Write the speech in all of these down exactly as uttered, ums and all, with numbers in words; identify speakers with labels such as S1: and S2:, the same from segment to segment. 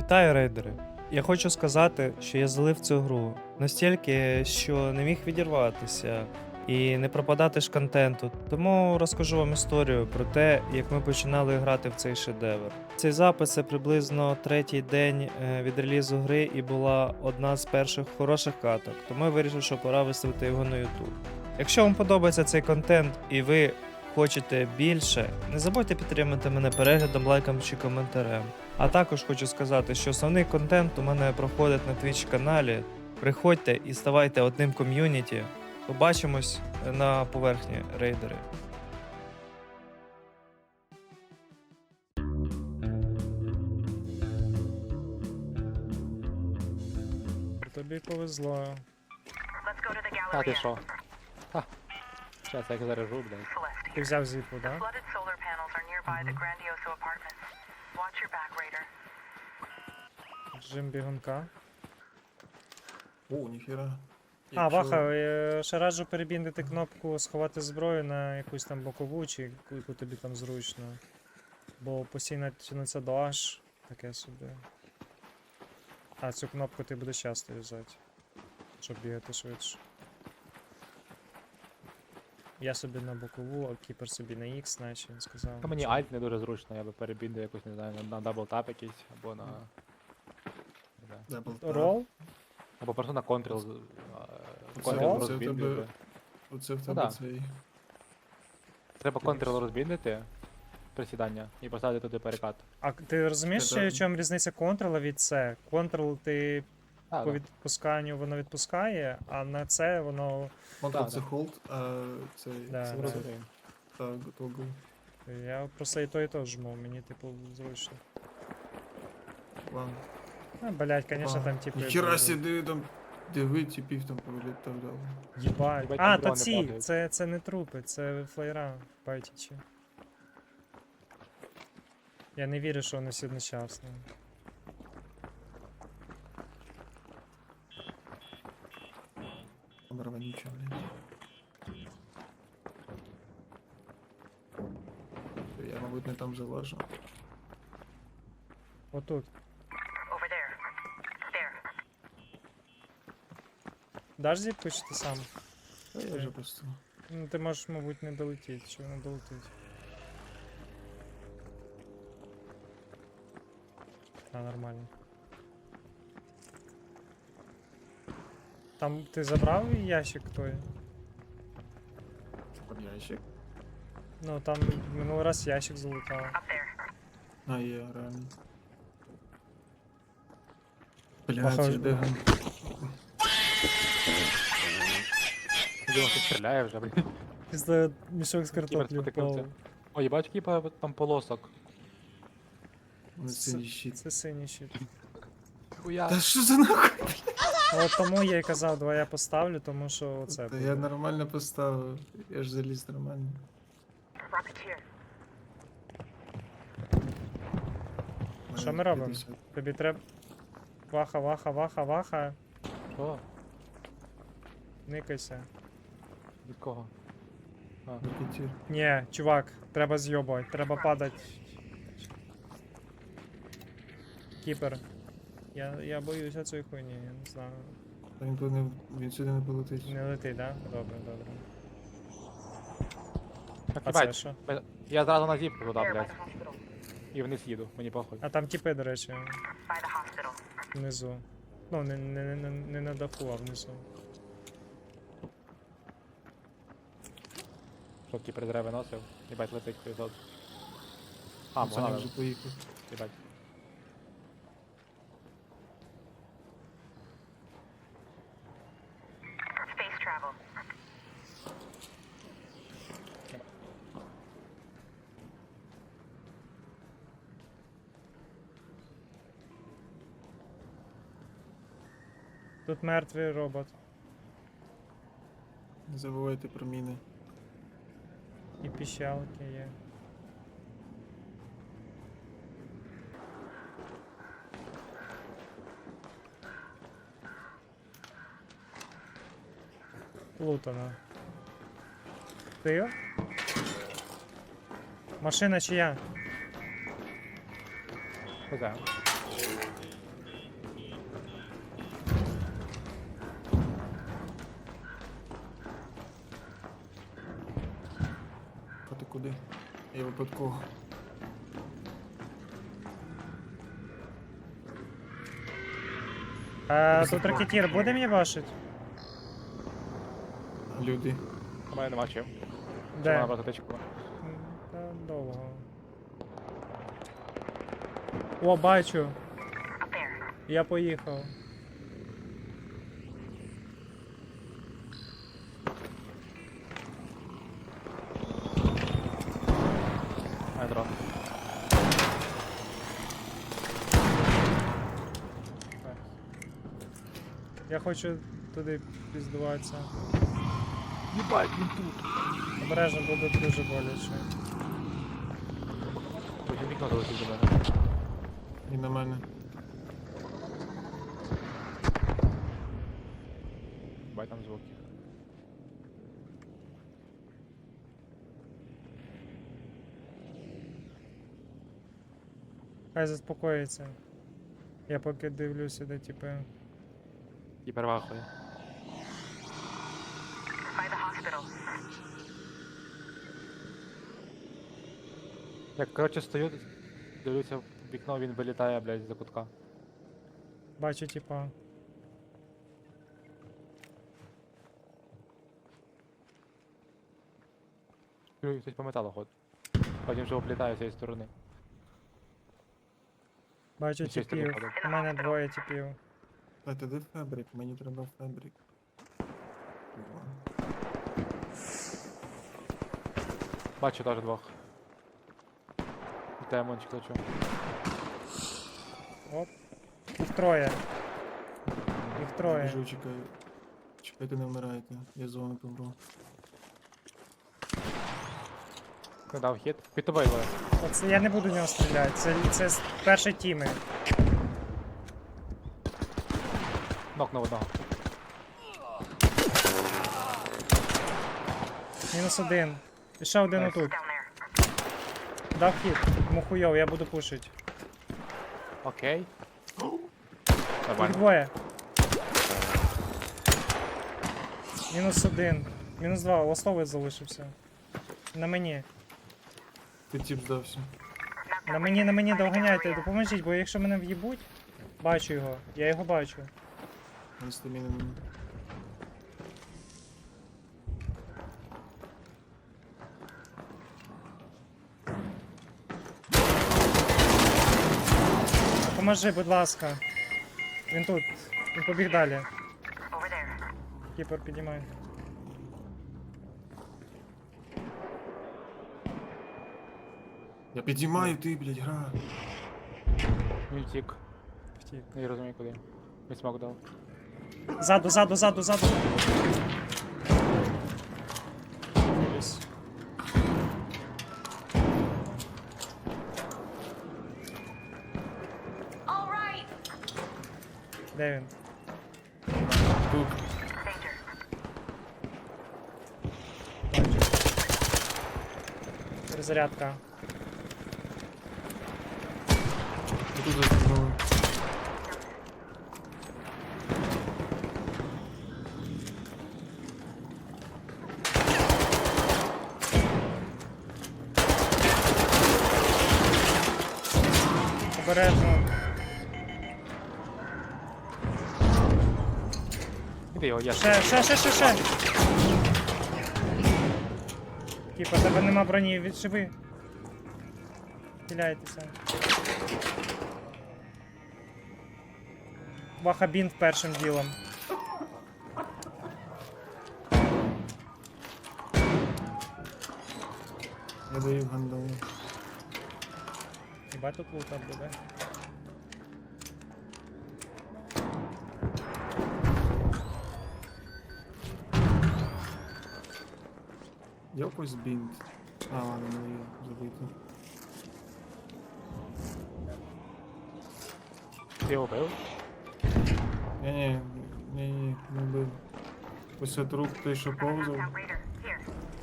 S1: Вітаю, рейдери! Я хочу сказати, що я залив цю гру настільки, що не міг відірватися і не пропадати ж контенту. Тому розкажу вам історію про те, як ми починали грати в цей шедевр. Цей запис це приблизно третій день е, від релізу гри і була одна з перших хороших каток, тому я вирішив, що пора виставити його на YouTube. Якщо вам подобається цей контент і ви хочете більше, не забудьте підтримати мене переглядом, лайком чи коментарем. А також хочу сказати, що основний контент у мене проходить на Twitch каналі. Приходьте і ставайте одним ком'юніті. Побачимось на поверхні, рейдери. Тобі повезло.
S2: Let's go to the
S3: А ти
S2: Galleria.
S3: що? Ха. Щас я їх заряжу, блядь.
S2: Celeste.
S1: Ти взяв зіпу,
S2: The
S1: да?
S2: flooded solar panels are nearby the Grandioso apartments. Watch your back, Raider.
S1: Джим бігунка.
S4: О, ніхера.
S1: А,
S4: Якщо-
S1: Ваха, е, ще раджу перебіндити кнопку сховати зброю на якусь там бокову, чи яку, яку тобі там зручно. Бо постійно тянеться до H, таке собі. А, цю кнопку ти будеш часто юзати, щоб бігати швидше. Я собі на бокову, а кіпер собі на X, наче він сказав.
S3: А мені альт не дуже зручно, я би перебіндив якусь, не знаю, на, на даблтап якийсь, або на... не знаю.
S4: Double tap.
S1: Рол?
S3: Або просто на контрол,
S4: Це-
S3: контрол
S1: це
S4: в
S3: розбіндив
S4: тебе-
S3: би.
S4: Оце в
S3: Ну
S4: тебе
S3: да.
S4: цей.
S3: Треба контрол розбіндити, присідання, і поставити туди перекат.
S1: А ти розумієш,
S4: Це-
S1: в чому різниця контрола від C? Контрол ти
S3: А,
S1: по
S3: да.
S1: відпусканню воно відпускає, а на це воно.
S4: Контрол
S3: Да,
S4: це
S3: да.
S4: hold, а цей.
S1: Да,
S4: це-
S1: да.
S3: Розумію.
S4: Так, тогл.
S1: Я просто і то, і то жму, мені типу зручно.
S4: Ладно.
S1: А, блять, конечно,
S4: А,
S1: там типу.
S4: Ніхера
S1: будуть.
S4: сюди там. Диви, типів там повилітав дав.
S1: Їбать.
S3: Їбать,
S1: А,
S3: там
S1: та
S3: дрони
S1: ці,
S3: падають.
S1: це, це не трупи, це флеєра байтічі. Я не вірю, що вони всі одночасно.
S4: Там рванюча, блядь. Я, мабуть, не там залажу.
S1: Отут.
S2: Over there. There.
S1: Даш зіпку чи ти сам?
S4: Та я вже просто.
S1: Ну ти можеш, мабуть, не долетіти, чи воно долетить. А, нормально. Там ти забрав ящик той?
S4: Там ящик.
S1: Ну там минулий раз ящик залутав.
S2: Up there.
S4: А, є, реально.
S1: Похоже.
S4: Блядь, де ган?
S3: Дивно, хтось стріляє вже, блядь.
S1: Пізда мішок з
S3: Кібер
S1: картоплі
S3: спотикнувся.
S1: впав.
S3: О, їбать, кіпа там полосок.
S4: Вони синій щит.
S1: Це синій щит.
S3: Хуя.
S4: Та що за нахуй?
S1: Ну, от тому я й казав, давай я поставлю, тому що оце
S4: Та
S1: буде.
S4: я нормально поставив. Я ж заліз нормально.
S2: Rocketeer.
S1: Що ми робимо? Тобі треба. Ваха, ваха, ваха, ваха.
S3: Що?
S1: Никайся.
S3: Від кого? А,
S4: Ракетір.
S1: Ні, чувак, треба з'йобувати, треба падати. Кіпер. Я, я боюся цієї хуйні, я не знаю.
S4: Та він туди не, він сюди не полетить.
S1: Не летить, да? Добре, добре.
S3: так,
S1: А це
S3: їбать.
S1: що?
S3: Бе- Я зразу на зіпку туди,
S2: There by
S3: блядь.
S2: the hospital.
S3: І вниз їду, мені похуй.
S1: А там тіпи, до речі,
S2: By the hospital.
S1: внизу. Ну, не, не, не, не на даху, а внизу.
S3: Що кіпер зря виносив? Їбать, летить хуйзот. А,
S4: Саня
S3: погнали.
S4: вже поїхав.
S3: Їбать.
S2: Space travel.
S1: Тут мертвий робот.
S4: Не забувайте про міни.
S1: І піщалки є. Плутано. Ти? Машина чия?
S3: Хуй знає.
S4: куди? Я випадково.
S1: А тут ракетір буде мені башить?
S4: Люди.
S3: У мене нема чим. Чи
S1: Де?
S3: вона просто тичку?
S1: М, Та довго. О, бачу.
S2: Up there.
S1: Я поїхав.
S3: Ай, дрон.
S1: Я хочу туди піздуватися.
S3: Єбать, він тут.
S1: Обережно буде дуже боляче.
S3: Потім вікно залетів до мене.
S4: І на мене.
S3: Бай там звуки.
S1: Хай заспокоїться. Я поки дивлюся, де типи.
S3: І перевахує.
S2: By the hospital.
S3: Я, коротше, стою, дивлюся в вікно, він вилітає, блядь, за кутка.
S1: Бачу, типа.
S3: Чую, хтось по металу ходить. Потім вже облітає з цієї сторони.
S1: Бачу
S3: І з цієї сторони
S1: типів.
S3: ходить.
S1: У мене двоє типів.
S4: А ти де фабрик? Мені треба фабрик. О,
S3: Бачу теж двох. І Демончик лечу.
S1: Оп. Їх троє. Їх троє.
S4: Біжу, чекаю. Чекайте, не вмирайте. Я з вами помру.
S3: Не дав хід. Під тобою двоє.
S1: Оце я не буду в нього стріляти. Це, це з першої тіми.
S3: Нокнув одного.
S1: Мінус один. І ще один
S3: Найс.
S1: отут.
S2: Down there.
S1: Дав хід. Йому хуйов, я буду пушить.
S3: Окей.
S1: Їх
S3: Нормально.
S1: двоє. Мінус один. Мінус два. Ластовий залишився. На мені.
S4: Ти тіп здався.
S1: На мені, на мені доганяйте, допоможіть, бо якщо мене в'їбуть, бачу його. Я його бачу.
S4: Він стаміни нема.
S1: Поможи, будь ласка. Він тут. Він побіг далі.
S2: Over there.
S1: Кіпер, підіймай.
S4: Я підіймаю, ти, блядь, гра.
S3: Він втік.
S1: Втік.
S3: Не розумію куди. Він смок дав.
S1: Ззаду, ззаду, ззаду, ззаду. Дивлюсь.
S2: All right.
S1: Де він?
S4: Тут.
S2: Danger.
S1: Бачу. Перезарядка.
S4: І тут заткнули.
S1: Обережно.
S3: Іди його, я
S1: Ще, ще, ще, ще, ще. Кіпер, тебе нема броні, відшиви. Хиляйтеся. Вахабін першим ділом.
S4: Я даю гандалу.
S1: Хіба тут лута буде?
S4: Якось бінт. А, ладно, не є забити.
S3: Ти його вбив?
S4: Ні-ні, ні-ні, не бив. Ось це труп той, що повзав.
S2: Out Raider. Here.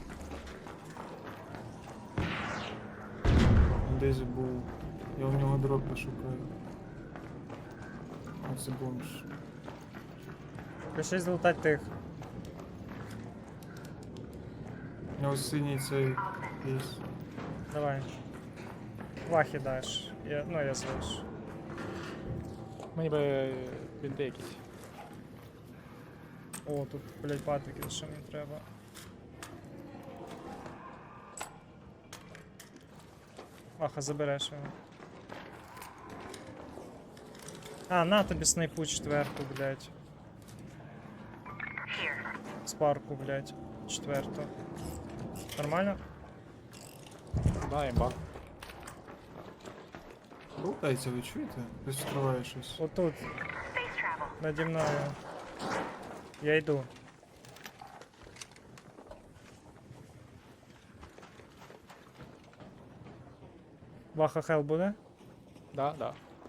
S4: Він десь був. Я в нього дроп пошукаю. Оце бомж.
S1: Пиши злутать тих.
S4: У нього синій цей є.
S1: Давай. Вахи даш. Я, ну, я залишу.
S3: Мені би е, бінти якісь.
S1: О, тут, блядь, патрики, що мені треба. Ваха, забереш його. А, на тобі снайпу четверту, блядь.
S2: Here.
S1: Спарку, блядь. Четверту. Нормально?
S3: Да, імба.
S4: Лутається, ви чуєте? Хтось відкриває щось.
S1: Отут,
S2: Space travel.
S1: наді мною. Я йду. Ваха хел буде?
S3: Да, да.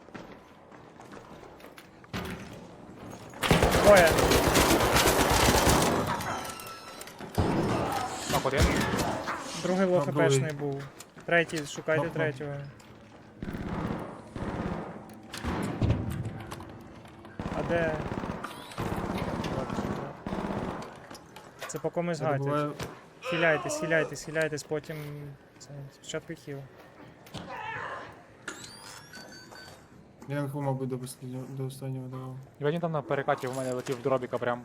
S1: Двоє.
S3: Так, один.
S1: Другий лох
S4: А, другий.
S1: хпшний був. Третій, шукайте
S4: Ага.
S1: третього. А де? Це по комусь
S4: Я
S1: гатять.
S4: добуваю-
S1: Хиляйтесь, хиляйтесь, хиляйтесь, потім. Це, спочатку хіл.
S4: Я його, мабуть, до останнього, до останнього давав.
S3: І він там на перекаті в мене летів в дробіка прям.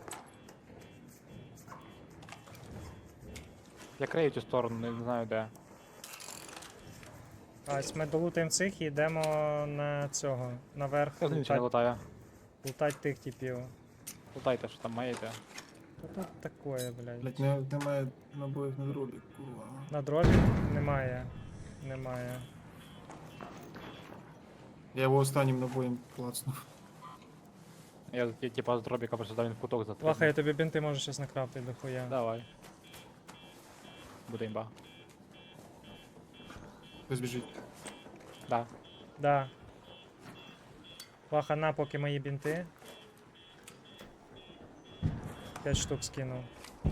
S3: Я крию цю сторону, не знаю де.
S1: А ось ми долутаємо цих і йдемо на цього. Наверх
S3: Я знаю, чи не
S1: лутать,
S3: лутає.
S1: лутать тих типів.
S3: Лутайте, що там маєте.
S1: Та тут такое, блядь.
S4: Блять, не, немає набоїв на дробі, курва.
S1: На дробі немає. Немає.
S4: Я його останнім набоєм клацнув.
S3: Я, я типа з дробіка просто дав він в куток
S1: Ваха,
S3: затрібний.
S1: я тобі бінти можу щас накрафтити до хуя.
S3: Давай. Буде імба.
S4: Хтось біжить.
S3: Да.
S1: Да. Ваха, на поки мої бінти. П'ять штук скинув.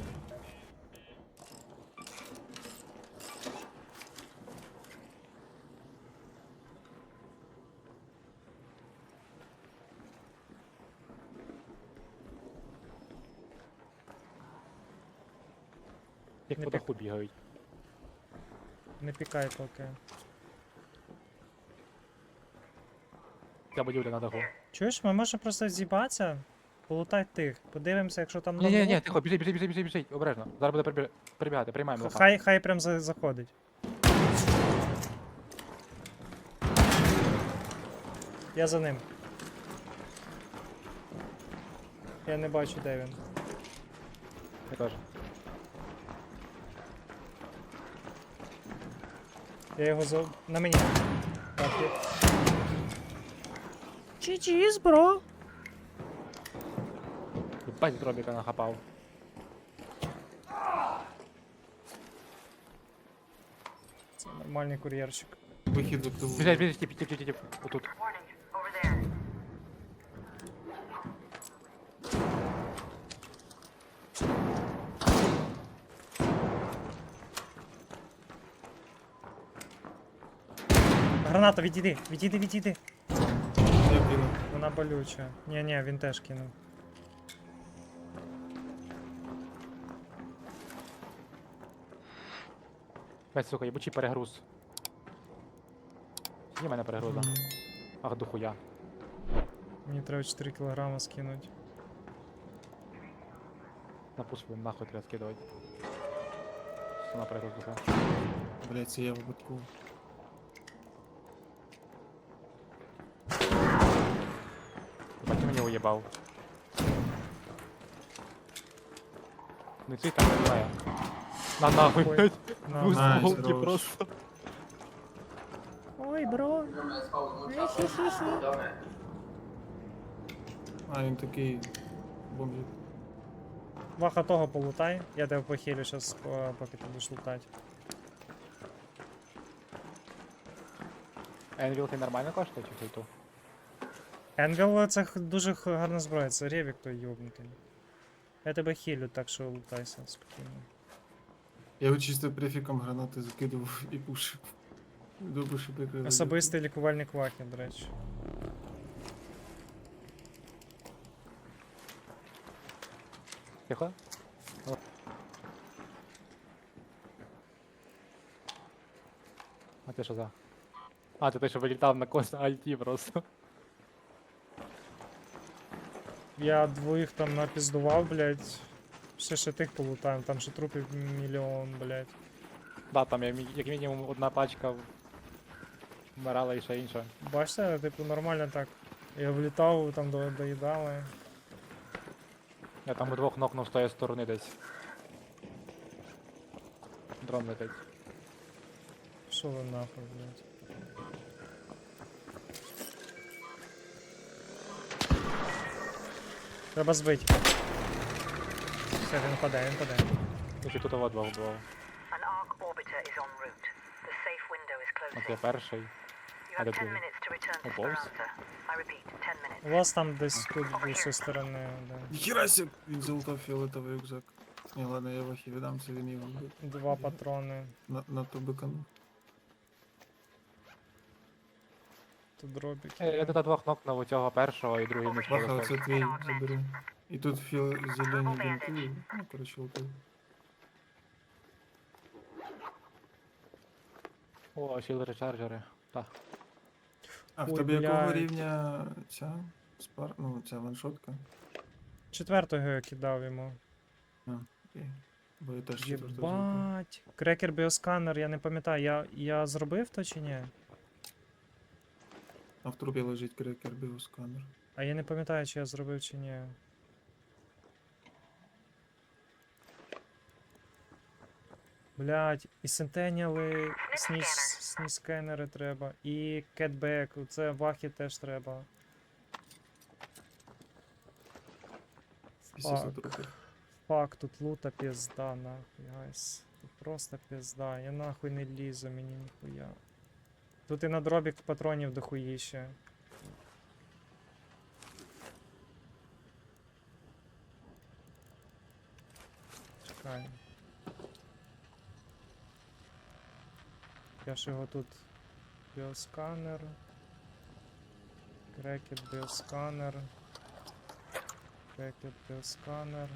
S3: Як
S1: Не
S3: по
S1: пік-
S3: даху бігають.
S1: Не пікай поки.
S3: Ця будівля на даху.
S1: Чуєш, ми можемо просто з'їбатися, полутай тих. Подивимося, якщо там
S3: Ні, ні, ні,
S1: нового.
S3: тихо, біжи, біжи, біжи, біжи, біжи, обережно. Зараз буде прибі- прибігати, приймаємо лоха.
S1: Хай, хай прям за- заходить. Я за ним. Я не бачу, де він.
S3: Я теж.
S1: Я його за... на мені. Так, я... Чі-чіз, бро!
S3: Бать з дробіка нахапав.
S1: Це нормальний кур'єрщик.
S4: Вихід активує.
S3: Біжи, біжи, тіп, тіп, тіп, тіп, отут.
S2: Warning. Over there.
S1: Граната, відійди, відійди, відійди.
S4: Я кинув.
S1: Вона болюча. Ні-ні, він теж кинув.
S3: Бать, сука, єбучий перегруз. Є в мене перегруза. Ах, дохуя.
S1: Мені треба чотири кілограма скинути.
S3: На пуск нахуй треба скидувати. Все на перегруз духа.
S4: Блять, це я випадково.
S3: Бать, ти мені уїбав. Не цей там не знаю. На нахуй,
S1: Ой.
S3: блядь.
S1: На.
S3: Дві
S4: Найс,
S3: смолки
S4: хорош.
S3: просто.
S1: Ой, бро.
S4: А, він такий бомжик.
S1: Ваха того полутай. Я тебе похилю щас, по- поки ти будеш лутати.
S3: Енвіл ти нормально коштує чи хейту?
S1: Енвіл це х- дуже х- гарна зброя, це ревік той йобнутий. Я тебе хилю, так що лутайся спокійно.
S4: Я його чисто префіком гранати закидував і пушив. Добре, що прикрили.
S1: Особистий лікувальник Вахи, до речі.
S3: Тихо? ти що за? А, це той, що вилітав на кос на альті просто.
S1: Я двоїх там напіздував, блядь. Ще ще тих полутаємо, там ще трупів мільйон, блядь.
S3: Да, там я, мі- як мінімум одна пачка в- вмирала і ще інша.
S1: Бачите, типу, нормально так. Я влітав, там до- доїдали.
S3: Я там у двох нокнув з тої сторони десь. Дрон летить.
S1: Що ви нахуй, блядь? Треба збити. Все, він паде, він паде.
S3: І ще тут два двох було.
S2: An arc orbiter is en route. The safe window is
S3: От я
S2: closing.
S3: перший.
S2: You
S3: I
S2: have
S3: don't
S2: ten
S3: know.
S2: minutes to return to
S3: Oh, balls.
S2: Speranza. I repeat, ten minutes.
S1: У вас там десь тут з цієї сторони, да.
S4: Ніхіра себе! Він залутав фіолетовий рюкзак. Ні, ладно, я вахі віддам, це він його вбив.
S1: Два патрони.
S4: На, на ту бикану.
S1: Тут дробік.
S3: Е, Я тут двох нокнув у цього першого і другий не
S4: Ваха,
S3: сполосив.
S4: це твій, забери. І тут фіо зелені бінти. Ну, коротше, лутав.
S3: О, сіли речарджери. Так.
S4: А в
S1: Ой,
S4: тебе якого
S1: блядь.
S4: рівня ця спар... ну, ця ваншотка?
S1: Четвертого я кидав йому.
S4: Окей. Бо я теж четвертого злутав.
S1: Єбать. Крекер біосканер, я не пам'ятаю, я, я зробив то чи ні?
S4: А в трупі лежить крекер біосканер.
S1: А я не пам'ятаю, чи я зробив чи ні. Блять, і сентеніали, сніж, сніж скенери треба, і кетбек, це вахи теж треба.
S4: Після
S1: Фак.
S4: трупів.
S1: Фак, тут лута пізда, нахуй, гайс. Тут просто пізда, я нахуй не лізу, мені ніхуя. Тут і на дробік патронів дохуїще. Чекай. Я ж його тут біосканер. Крекет біосканер. Крекет біосканер.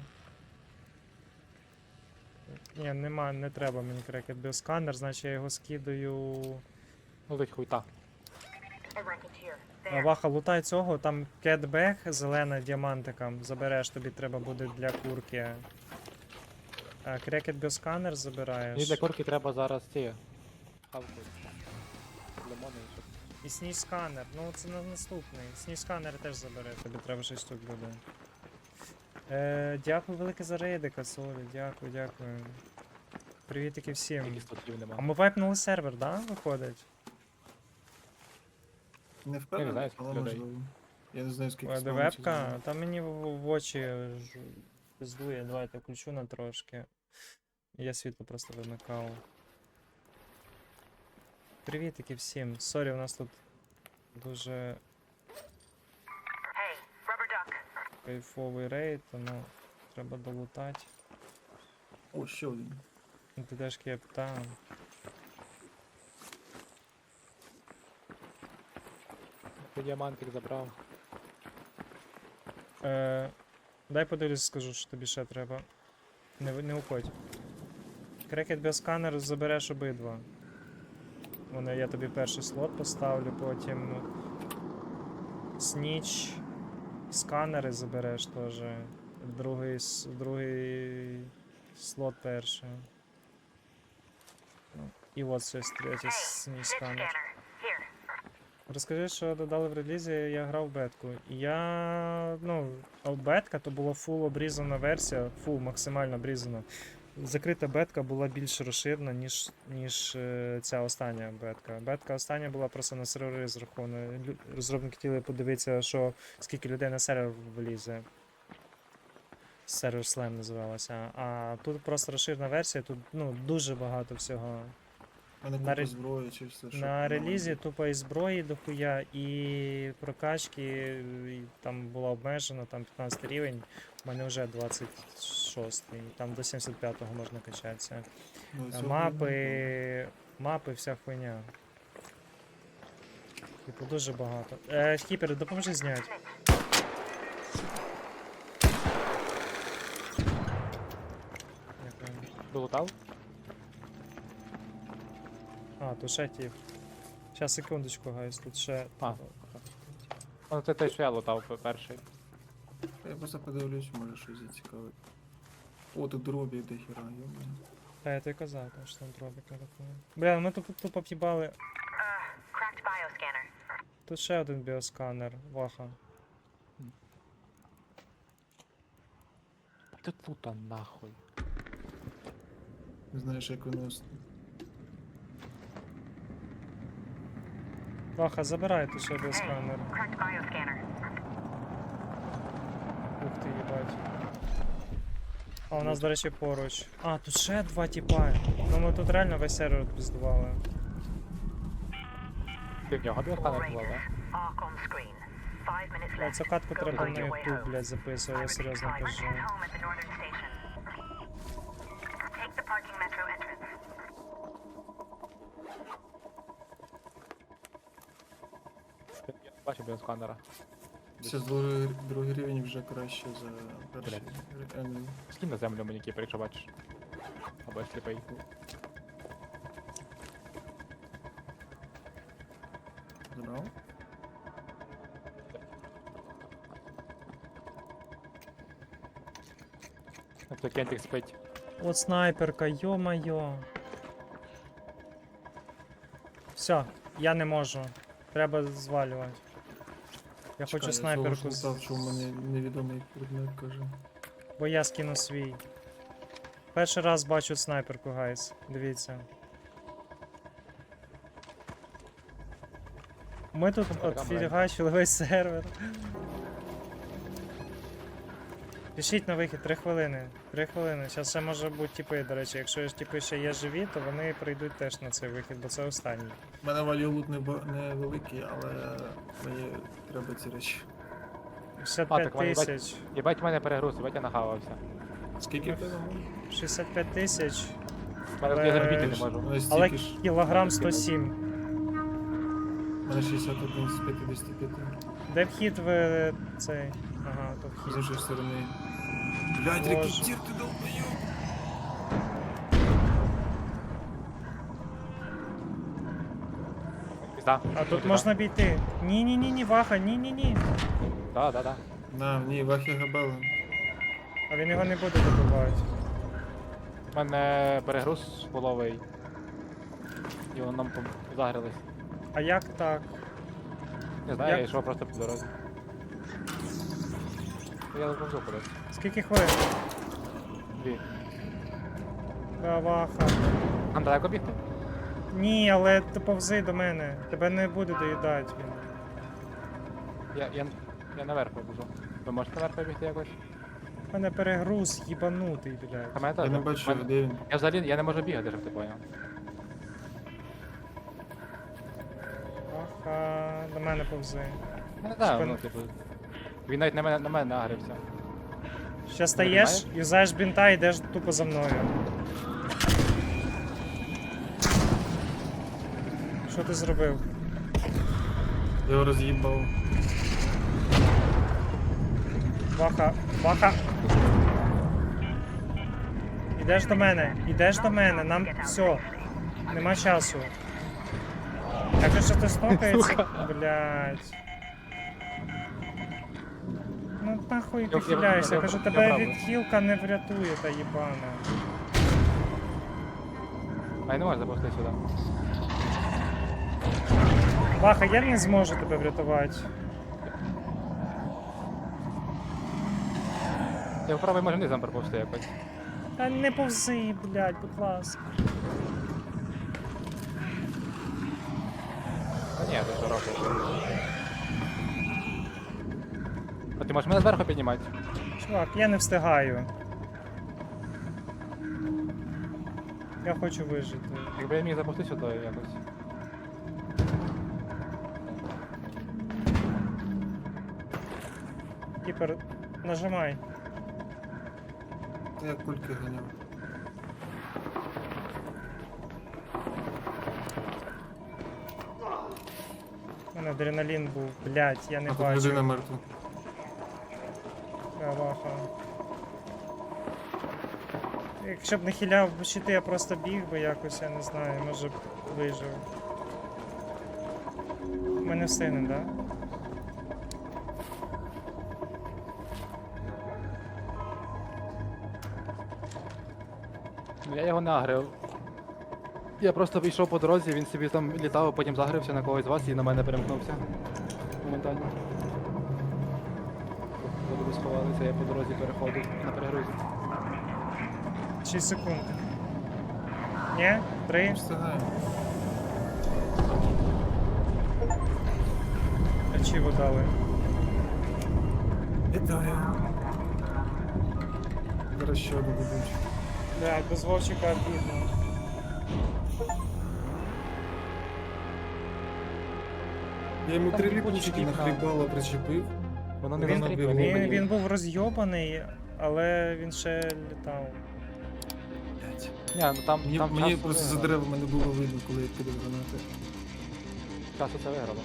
S1: Ні, нема, не треба мені крекет біосканер, значить я його скидаю.
S3: Ну, ледь хуйта.
S2: A racketeer.
S1: А,
S2: There.
S1: Ваха, лутай цього, там кетбек зелена діамантиком. Забереш, тобі треба буде для курки. А, крекет біосканер
S3: Мені
S1: забираєш.
S3: для курки треба зараз ці. Хавку. Лимони і щоб.
S1: І сніж сканер. Ну це на наступний. Сніж сканер теж забере, тобі треба шість штук буде. Е, дякую велике за рейди, Касолі, дякую, дякую. Привітики всім.
S3: Тільки статів
S1: А
S3: нема.
S1: ми вайпнули сервер, да, виходить?
S4: Не впевнений,
S3: знаю, скільки
S4: але
S3: людей.
S4: можливо. Я не знаю, скільки
S1: Ой, де
S4: спавниться
S1: вебка?
S4: знову.
S1: Там мені в, в очі ж- пиздує, давайте включу на трошки. Я світло просто вимикав. Привітики всім. Сорі, у нас тут дуже
S2: Hey, rubber duck.
S1: кайфовий рейд, тому треба долутати.
S4: О, ще один.
S1: Ну, Ти теж кеп, там.
S3: Ти діамантик забрав.
S1: Е, дай подивлюсь, скажу, що тобі ще треба. Не, ви- не уходь. Крекет біосканер забереш обидва. Вони, я тобі перший слот поставлю, потім сніч, сканери забереш теж. Другий, с- другий слот перший. Ну, і от щось третій
S2: Hey,
S1: сніч
S2: pitch
S1: сканер.
S2: scanner. Here.
S1: Розкажи, що додали в релізі, я грав в бетку. І я. Ну, а в бетка то була фул обрізана версія, фул максимально обрізана. Закрита бетка була більш розширена, ніж, ніж е, ця остання бетка. Бетка остання була просто на сервери розрахована. Лю- Розробники хотіли подивитися, що скільки людей на сервер влізе. Сервер Slam називалося. А тут просто розширена версія, тут ну, дуже багато всього.
S4: А не
S1: На
S4: купа
S1: ре-
S4: зброї чи все, що
S1: На
S4: нормально.
S1: релізі тупо і зброї дохуя, і прокачки і там була обмежена, там п'ятнадцятий рівень, у мене вже двадцять шостий, там до сімдесят п'ятого можна качатися.
S4: Ну,
S1: Е,
S4: цього
S1: Мапи, мапи, вся хуйня. Типу дуже багато. Е, Хіпер, допоможи зняти. Дякую.
S3: Долутав?
S1: А, то ще тип. Щас, секундочку, гайс, тут ще.
S3: А. Ну це той, що я лутав пе- перший.
S4: Я просто подивлюсь, може щось зацікавить. О, тут дробі до хіра, йомаю.
S1: Та я тобі казав, там, що там дробік не рахує. Бля, ми тут тупо в'їбали.
S2: Uh, cracked bioscanner.
S1: Тут ще один біосканер, ваха.
S3: Тут лута нахуй.
S4: Не знаєш, як воно... с-
S1: Ваха, забирай тут ще біосканер.
S2: Cracked bioscanner.
S1: Ух ти, їбать. А у нас, до речі, поруч. А, тут ще два тіпа. Ну ми тут реально весь сервер піздували.
S3: Ти в нього
S2: All
S3: біосканер була,
S2: races.
S3: да?
S2: Arc on screen. Five minutes
S1: Бля,
S2: left.
S1: цю катку
S2: Go
S1: треба
S2: find
S1: на
S2: your way
S1: ютуб,
S2: home.
S1: блядь, записувати, я
S2: Pirates
S1: серйозно
S2: five
S1: кажу.
S2: return home at the northern station. Take the parking metro entrance.
S3: Я бачу біосканера.
S4: Це з другий, другий рівень вже краще за перший. Реально.
S3: Скинь на землю мені кіпер, якщо бачиш. Або я сліпий.
S4: Забрав?
S3: Тобто кентик спить.
S1: От снайперка, йо-майо. Все, я не можу. Треба звалювати. Я хочу снайперку,
S4: Я
S1: з-
S4: що у мене невідомий предмет, каже.
S1: бо я скину свій. Перший раз бачу снайперку, гайс. Дивіться. Ми тут
S3: Така
S1: от
S3: маленька.
S1: фігачили весь сервер. Пишіть на вихід, три хвилини. Три хвилини. Зараз ще може бути тіпи, до речі. Якщо ж тіпи ще є живі, то вони прийдуть теж на цей вихід, бо це останній.
S4: У мене валюлут не, бо- не великий, але мені треба ці речі.
S1: шістдесят
S3: А,
S1: п'ять
S3: так вони бать-
S1: тисяч.
S3: Єбать мене перегруз, єбать я нахавався.
S4: Скільки в тебе?
S1: шістдесят п'ять тисяч.
S3: Я
S1: Але-
S3: зробити не можу.
S4: У мене
S1: Але
S4: стільки ж.
S1: кілограм сто сім.
S4: У мене шістдесят один з п'ятдесят п'ять.
S1: Де вхід в цей? Ага, то
S4: З
S1: вхід.
S4: іншої сторони. Блядь,
S1: Боже.
S4: рекетір, ти долбоёб!
S3: Пізда.
S1: А тут можна обійти. Ні-ні-ні, Ваха, ні-ні-ні.
S3: Да, да, да.
S4: На, ні, Вахі Габела.
S1: А він його не буде добивати.
S3: У мене перегруз половий. І воно нам пом- загрілись.
S1: А як так?
S3: Не знаю,
S1: Як?
S3: я йшов просто по дорозі. Я заповзу кудись.
S1: Скільки хвилин?
S3: Дві.
S1: Да, Ваха.
S3: Нам далеко бігти?
S1: Ні, але ти повзи до мене. Тебе не буде доїдати він.
S3: Я, я, я наверх побіжу. Ви можете наверх побігти якось?
S1: У мене перегруз їбанутий,
S3: А
S1: блядь.
S3: мене
S4: Я
S3: теж.
S4: не бачу,
S3: Мене-
S4: де він.
S3: Я взагалі я не можу бігати, щоб ти поняв.
S1: Ваха, до мене повзи.
S3: Я не знаю,
S1: Спин-
S3: ну типу. Він навіть на мене на мене нагрився.
S1: Ще стаєш, юзаєш бінта і йдеш тупо за мною. Що ти зробив?
S4: Я його роз'їбав.
S1: Ваха, Ваха. Ідеш до мене, ідеш до мене, нам все. Нема часу. Я кажу, що ти стокається. Блять. Ну нахуй ти
S3: Я- я-
S1: хиляєшся,
S3: я-
S1: я кажу,
S3: я
S1: тебе
S3: правда.
S1: від хілка не врятує, та їбана.
S3: А я не можу запустити сюди.
S1: Ваха, я не зможу тебе врятувати.
S3: Я попробую може низом пропустити якось.
S1: Та не повзи, блядь, будь ласка.
S3: Та ні, ти що робиш? А ти можеш мене зверху піднімати?
S1: Чувак, я не встигаю. Я хочу вижити.
S3: Якби я міг запустити сюди якось.
S1: Кіпер, нажимай.
S4: Та я кульки ганяв.
S1: У мене адреналін був, блядь, я не
S4: А тут людина
S1: бачу.
S4: мертва.
S1: Ваха. Якщо б не хиляв щити, я просто біг би якось, я не знаю, може б вижив. ми не встигнемо, так? Да?
S3: Ну я його не агрив. Я просто вийшов по дорозі, він собі там літав, потім загрився на когось з вас і на мене перемкнувся. Моментально. Коли ви сховалися, я по дорозі переходив на перегрузі.
S1: шість секунд. Ні? Три?
S4: Встигаємо.
S1: Ачіву дали.
S4: Вітаю. Зараз ще одну дадуть.
S1: Да, без Вовчика обідно.
S4: Я йому
S3: Там
S4: три
S3: ліпучки
S4: ліпучки на
S3: вікна.
S4: хлібало причепив.
S3: Воно не
S1: Він,
S4: розбило.
S3: розстрілює.
S1: він, він був розйобаний, але він ще літав.
S4: Блядь.
S3: Ні, ну там,
S4: Мені,
S3: там
S4: мені
S3: часу
S4: просто за
S3: виграло.
S4: деревами не було видно, коли я кидав гранати.
S3: Часу це виграло.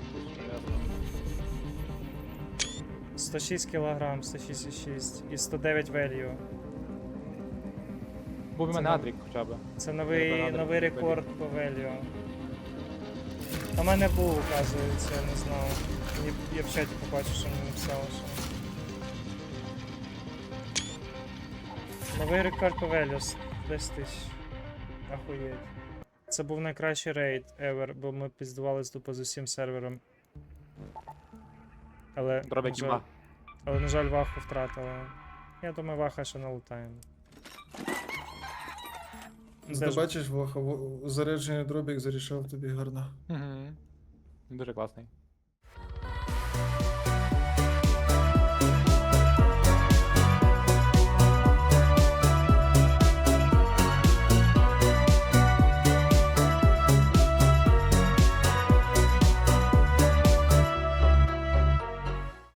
S1: сто шість кілограм, сто шість і шість і сто дев'ять value.
S3: Був у
S1: Це
S3: мене
S1: нам-
S3: Адрік хоча б.
S1: Це
S3: Я
S1: новий,
S3: радий,
S1: новий
S3: що
S1: рекорд по value. А в мене був, оказується, я не знав. Мені, я в чаті побачив, що мені написали, що. Новий рекорд по value, десять тисяч. Ахуєть. Це був найкращий рейд ever, бо ми піздувались тупо з усім сервером. Але,
S3: Дробя
S1: на жаль,
S3: кіба.
S1: але, на жаль, Ваху втратила. Я думаю, Ваха ще налутаємо.
S4: Ти
S1: Де ж-
S4: бачиш, Ваха, во- заряджений дробік зарішав тобі гарно.
S3: Угу. Дуже класний.